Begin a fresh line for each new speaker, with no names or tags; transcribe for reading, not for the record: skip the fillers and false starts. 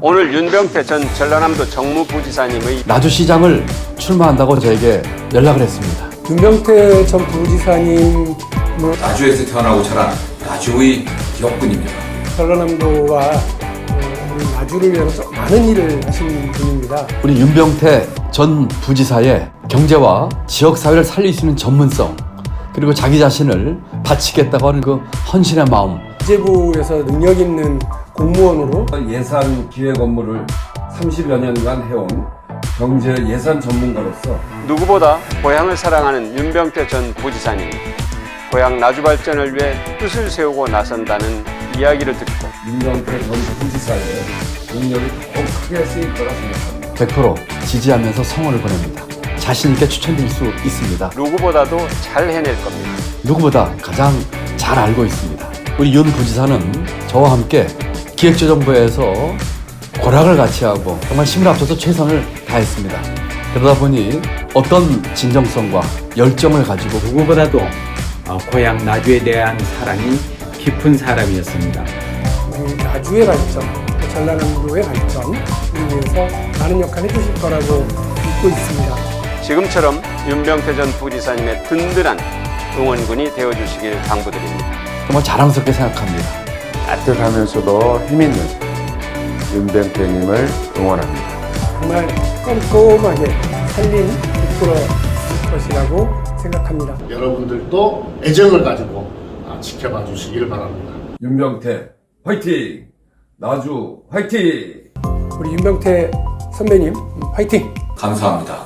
오늘 윤병태 전 전라남도 정무부지사님의
나주시장을 출마한다고 저에게 연락을 했습니다.
윤병태 전 부지사님은
나주에서 태어나고 자란 나주의 기업군입니다.
전라남도와 우리 나주를 위해서 많은 일을 하신 분입니다.
우리 윤병태 전 부지사의 경제와 지역사회를 살릴 수 있는 전문성, 그리고 자기 자신을 바치겠다고 하는 그 헌신의 마음.
기재부에서 능력 있는 공무원으로
예산 기획 업무를 30여 년간 해온 경제 예산 전문가로서
누구보다 고향을 사랑하는 윤병태 전 부지사님, 고향 나주 발전을 위해 뜻을 세우고 나선다는 이야기를 듣고
윤병태 전 부지사의 능력이 더욱 크게 쓰일 거라 생각합니다.
100% 지지하면서 성원을 보냅니다. 자신 있게 추천드릴 수 있습니다.
누구보다도 잘 해낼 겁니다.
누구보다 가장 잘 알고 있습니다. 우리 윤 부지사는 저와 함께 기획재정부에서 고락을 같이 하고 정말 힘을 합쳐서 최선을 다했습니다. 그러다 보니 어떤 진정성과 열정을 가지고
누구보다도 고향 나주에 대한 사랑이 깊은 사람이었습니다.
우리 나주의 발전, 전라남도의 발전을 위해서 많은 역할을 해주실 거라고 믿고 있습니다.
지금처럼 윤병태 전 부지사님의 든든한 응원군이 되어주시길 당부드립니다.
정말 자랑스럽게 생각합니다.
따뜻하면서도 힘있는 윤병태님을 응원합니다.
정말 꼼꼼하게 살림 이끌어 줄 것이라고 생각합니다.
여러분들도 애정을 가지고 지켜봐 주시길 바랍니다.
윤병태 화이팅! 나주 화이팅!
우리 윤병태 선배님 화이팅!
감사합니다.